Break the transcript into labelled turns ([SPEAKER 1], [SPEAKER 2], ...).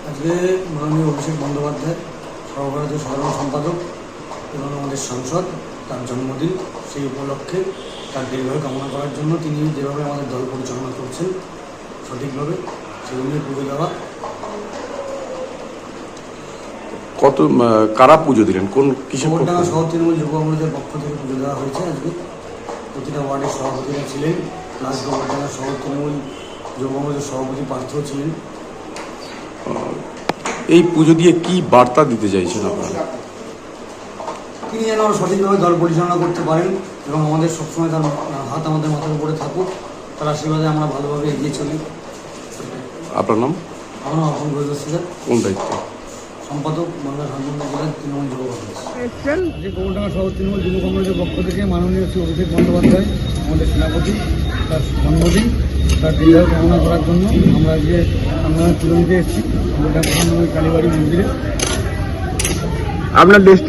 [SPEAKER 1] আজকে মাননীয় অভিষেক বন্দ্যোপাধ্যায় সর্বভারতীয় সাধারণ সম্পাদক এবং আমাদের সাংসদ তার জন্মদিন, সেই উপলক্ষে তার দীর্ঘায়ু কামনা করার জন্য তিনি যেভাবে আমাদের দল পরিচালনা করছেন সঠিকভাবে, সেগুলো নিয়ে পুজো দেওয়া।
[SPEAKER 2] কারা পুজো দিলেন? কোন কিসের?
[SPEAKER 1] গোবরডাঙ্গা শহর তৃণমূল যুব কংগ্রেসের পক্ষ থেকে পুজো দেওয়া হয়েছে। আজকে প্রতিটা ওয়ার্ডের সভাপতিরা ছিলেন, প্লাস গোবরডাঙ্গা শহর তৃণমূল যুব কংগ্রেসের সভাপতি পার্থও ছিলেন।
[SPEAKER 2] এই পুজো দিয়ে কি বার্তা দিতে চাইছেন আপনারা?
[SPEAKER 1] তিনি যেন সঠিকভাবে দল পরিচালনা করতে পারেন এবং আমাদের সবসময় তার হাত আমাদের মাথার উপরে থাকুক, তার আশীর্বাদে আমরা ভালোভাবে এগিয়ে চলি।
[SPEAKER 2] আপনার নাম?
[SPEAKER 1] আমার নাম অপন ঘোষ ছিলেন,
[SPEAKER 2] কোন দায়িত্ব?
[SPEAKER 1] সম্পাদক বাংলা ঝাড়খণ্ড জেলার তৃণমূল যুব কংগ্রেস। আজকে গোবরডাঙ্গা শহর তৃণমূল যুব কংগ্রেসের পক্ষ থেকে মাননীয় শ্রী অভিষেক বন্দ্যোপাধ্যায় আমাদের সেনাপতি, তার জন্মদিন, তার দীর্ঘায়ু কামনা করার জন্য আমরা আজকে আমরা পুজো দিতে এসেছি গোবরডাঙ্গা কালীবাড়ি মন্দিরে।
[SPEAKER 2] আপনার দেশ